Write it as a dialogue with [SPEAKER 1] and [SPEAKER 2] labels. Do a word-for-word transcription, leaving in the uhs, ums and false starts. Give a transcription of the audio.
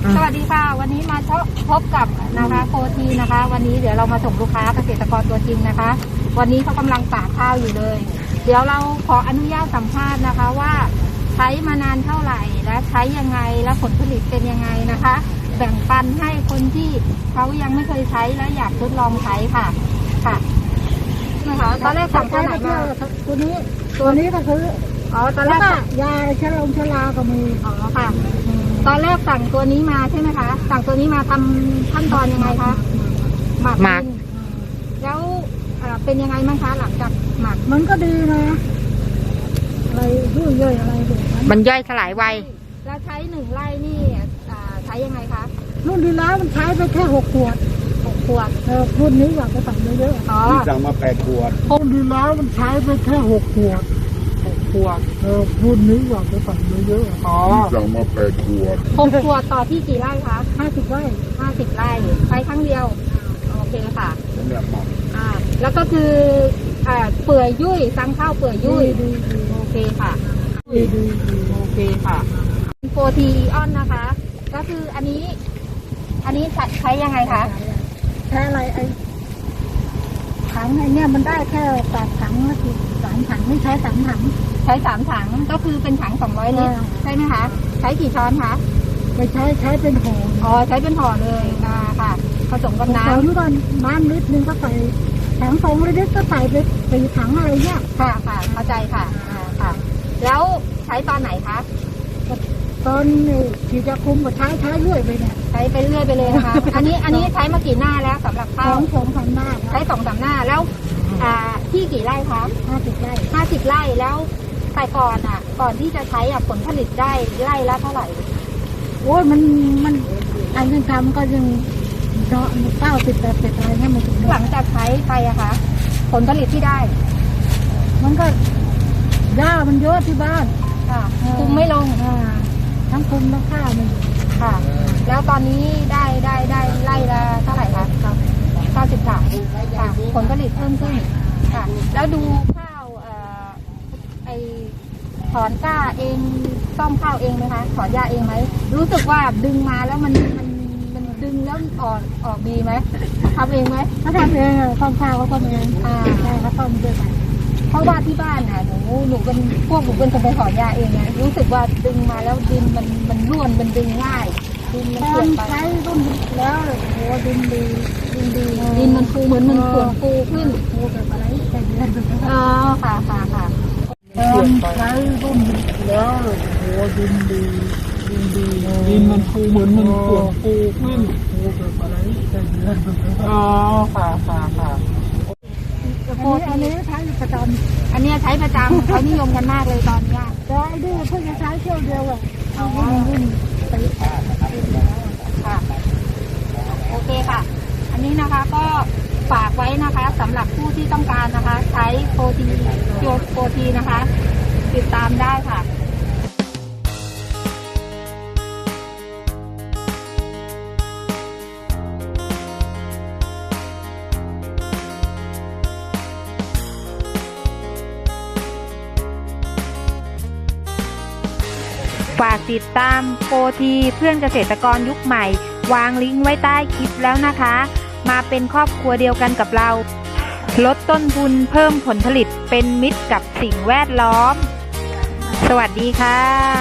[SPEAKER 1] สวัสดีค่ะวันนี้มาพบกับนะคะโคทีนะคะวันนี้เดี๋ยวเรามาส่งลูกค้าเกษตรกรตัวจริงนะคะ วันนี้เขากำลังตากข้าวอยู่เลย เดี๋ยวเราขออนุญาตสัมภาษณ์นะคะว่าใช้มานานเท่าไหร่และใช้ยังไงและผลผลิตเป็นยังไงนะคะ แบ่งปันให้คนที่เขายังไม่เคยใช้และอยากทดลองใช้ค่ะค่ะนะคะตอนแรกสั่งตัวไหนมา
[SPEAKER 2] ตัวนี้ตัวนี้ก็คือ
[SPEAKER 1] อ๋อตอนแรก
[SPEAKER 2] ยาชะลงชะลาก็มี
[SPEAKER 1] อ๋อค่ะตอนแรกสั่งตัวนี้มาใช่ไหมคะสั่งตัวนี้มาทำขั้นตอนยังไงคะหมักหมักแล้วเป็นยังไงบ้างคะหลังจากหมัก
[SPEAKER 2] มันก็ดีนะอะไรยุ่ยย่อยอะไรแบบนั้น
[SPEAKER 3] มันย่อยสลายไว
[SPEAKER 1] แล้วใช้หนึ่งไร่นี่ใช้ยังไงคะ
[SPEAKER 2] รุ่นที่แล้วมันใช้ไปแค่หกขวด
[SPEAKER 1] หกขวด
[SPEAKER 2] เออรุ่นนี้อยากจะสั่งเยอะ
[SPEAKER 1] ๆอ๋อ
[SPEAKER 4] สั่งมาแปดขวด
[SPEAKER 2] รุ่นที่แล้วมันใช้ไปแค่หกขวด
[SPEAKER 1] หกขวด
[SPEAKER 2] เออรุ่นนี้อยากจะสั่งเยอะ
[SPEAKER 1] ๆอ๋อ
[SPEAKER 4] สั่งมาแปดขวด
[SPEAKER 1] หกขวดต่อที่กี่ไร่คะ
[SPEAKER 2] ห้าสิบไร่
[SPEAKER 1] ห้าสิบไร่ใช้ครั้งเดียวโอเคค่ะ
[SPEAKER 4] สำหรับหมัก
[SPEAKER 1] อ่าแล้วก็คืออ่าเปื่อยยุ่ยซังข้าวเปื่อยยุ่ยโอเคค่ะโอเคค่ะโฟทีออนนะคะก็คืออันนี้อันนี้ใช้ยังไงคะ
[SPEAKER 2] ใช้อะไรไอ้ถังไอ้เนี่ยมันได้แค่แปดถังก็คือสามถังไม่ใช้สามถัง
[SPEAKER 1] ใช้สามถังก็คือเป็นถังสองร้อยลิตรใช่ไหมคะใช้กี่ช้อนคะ
[SPEAKER 2] ไม่ใช้ใช้เป็นห่อ
[SPEAKER 1] อ๋อใช้เป็นห่อเลยอ่าค่ะผสมกับน้ำ
[SPEAKER 2] นี่ก่อนน้ำลิตรนึงก็ใส่ถังสองลิตรก็ใส่ไปสี่ถังอะไรเนี่ย
[SPEAKER 1] ค่ะค่ะเข้าใจค่ะอ่าค่ะแล้วใช้ตอนไหนคะ
[SPEAKER 2] ตอนที่จะคุมก็ใช้ใช้เรื่อยไปเนี่ย
[SPEAKER 1] ใช้ไปเรื่อยไปเลยนะคะอันนี้อันนี้ใช้มากี่หน้าแล้วสำหรับข้าว
[SPEAKER 2] สองสามหน้า
[SPEAKER 1] ใช้สองสามหน้าแล้วอ่าที่กี่ไร่คะ
[SPEAKER 2] ห้าสิบไร่
[SPEAKER 1] ห้าสิบไร่แล้วแต่ก่อนอ่ะก่อนที่จะใช้อ่ะผลผลิตได้ไร่ละเท่าไหร่
[SPEAKER 2] โอ้ยมันมันอันยังทำก็ยังเนาะเก้าสิบแปดสิบอะไรเนี่ยมันถึง
[SPEAKER 1] หลังจากใช้ไปอะคะผลผลิตที่ได้
[SPEAKER 2] มันก็หญ้ามันเยอะที่บ้าน
[SPEAKER 1] ค่ะคุมไม่ลง
[SPEAKER 2] ทั้งคุมทั้งข้าวมัน
[SPEAKER 1] ค่ะแล้วตอนนี้ได้ได้ได้ไร่ละเท่าไหร่คะเก้าสิบสามค่ะผลผลิตเพิ่มขึ้นค่ะแล้วดูข้าวเอ่อไอถอนก้าเองซ่อมข้าวเองไหมคะถอนหญ้าเองไหมรู้สึกว่าดึงมาแล้วมันมันมันดึงแล้วออกออกดีไหมทำเองไหม
[SPEAKER 2] เขาทำเองซ่อมข้าวเขาทำเอง
[SPEAKER 1] อ่า
[SPEAKER 2] ใช่เขาซ่อมด้วยกัน
[SPEAKER 1] เพราะว่าที่บ้านน่ะหนูหนูเป็นพวกหนูเป็นคนไปถอนหญ้าเองนะรู้สึกว่าดึงมาแล้วดินมันมันร่วนมันดึงง่ายดินมันเปลี่ยนไป
[SPEAKER 2] ใช้รุ่นแล้วโอ้ดินดี
[SPEAKER 1] ดินดีดินมันฟูเหมือนมันเปลี่ยนฟูขึ้น
[SPEAKER 2] ฟูแบบอะไรแต่เดือน
[SPEAKER 1] อ๋อค่ะค่ะค่ะ
[SPEAKER 2] ใช้รุ่นแล้วโอ้ดินดีดินดีดินมันฟูเหมือนมันเปลี่ยนฟูขึ้นฟูแบบอะไรแต่เดือน
[SPEAKER 1] อ๋อค่ะค่ะค่ะ
[SPEAKER 2] โคอันนี้ใช้ประจ
[SPEAKER 1] ำอันนี้ใช้ประจำเขานิยมกันมากเลยตอนนี้
[SPEAKER 2] แต่ไอ้ดูเพิ่งจะใช้เที่ยวเดียวอ่ะเอารุ่นไป
[SPEAKER 1] ค่ะโอเคค่ะอันนี้นะคะก็ฝากไว้นะคะสำหรับผู้ที่ต้องการนะคะใช้โปรตีโยโปรตีนะคะติดตามได้ค่ะ
[SPEAKER 3] ฝากติดตามโปรทีเพื่อนเกษตรกรยุคใหม่วางลิงก์ไว้ใต้คลิปแล้วนะคะมาเป็นครอบครัวเดียวกันกับเราลดต้นทุนเพิ่มผลผลิตเป็นมิตรกับสิ่งแวดล้อมสวัสดีค่ะ